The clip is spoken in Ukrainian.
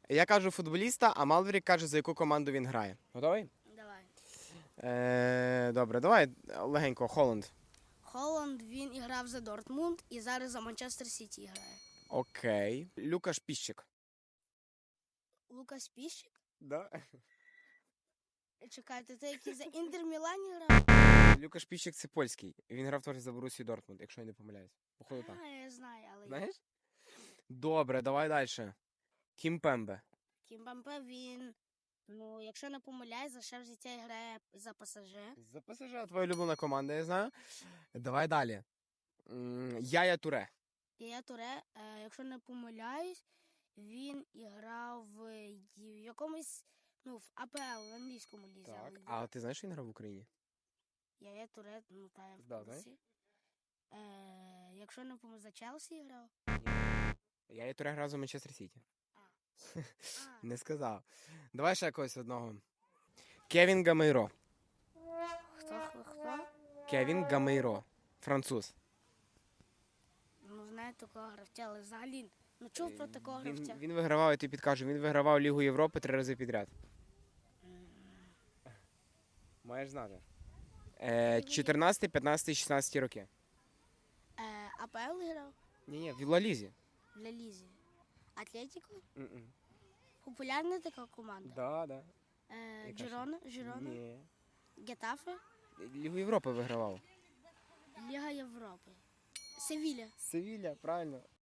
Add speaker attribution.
Speaker 1: Я кажу футболіста, а Малвері каже, за яку команду він грає. Готовий?
Speaker 2: Давай.
Speaker 1: Добре, давай легенько, Холланд.
Speaker 2: Холланд, він і грав за Дортмунд і зараз за Манчестер Сіті грає.
Speaker 1: Окей. Люкаш Піщик.
Speaker 2: Лукас Піщик?
Speaker 1: Да?
Speaker 2: Чекайте, це який за Інтер Мілані грав?
Speaker 1: Люкаш Піщик це польський. Він грав теж за Борусію Дортмунд, якщо я не помиляюсь. Походу так.
Speaker 2: Я знаю, але
Speaker 1: Знаєш? Добре, давай далі. Кім Пембе.
Speaker 2: Кімбампе, він, ну, якщо не помиляюсь, за ще в життя грає за ПСЖ.
Speaker 1: За ПСЖ твоя улюблена команда, я знаю. Давай далі. Яя Туре.
Speaker 2: Я Туре, якщо не помиляюсь, він і грав в якомусь, ну, в АПЛ, в англійському лізі.
Speaker 1: Так.
Speaker 2: але
Speaker 1: А ти знаєш, що він грав в Україні?
Speaker 2: Я Туре, ну, та я в
Speaker 1: Да,
Speaker 2: курсі. Якщо не помиляюсь, за Челсі грав.
Speaker 1: Яя Туре грав за Манчестер Сіті.
Speaker 2: А,
Speaker 1: Не сказав. Давай ще якогось одного. Кевін Гамейро.
Speaker 2: хто?
Speaker 1: Кевін Гамейро. Француз.
Speaker 2: Ну, знаю такого гравця, але взагалі, ну, чув про такого гравця.
Speaker 1: Він вигравав, я тобі підкажу, він вигравав Лігу Європи 3 рази підряд. Маєш знати. 14, 15, 16 роки.
Speaker 2: АПЛ грав
Speaker 1: Ні, в Ла Лізі.
Speaker 2: в Ла Лізі. Атлетіко?
Speaker 1: М-м.
Speaker 2: Популярна така команда.
Speaker 1: Да. Яка ще?
Speaker 2: Жирона,
Speaker 1: Ні.
Speaker 2: Гетафе,
Speaker 1: Лігу Європи вигравав.
Speaker 2: Ліга Європи. Севіля.
Speaker 1: Севілля, правильно.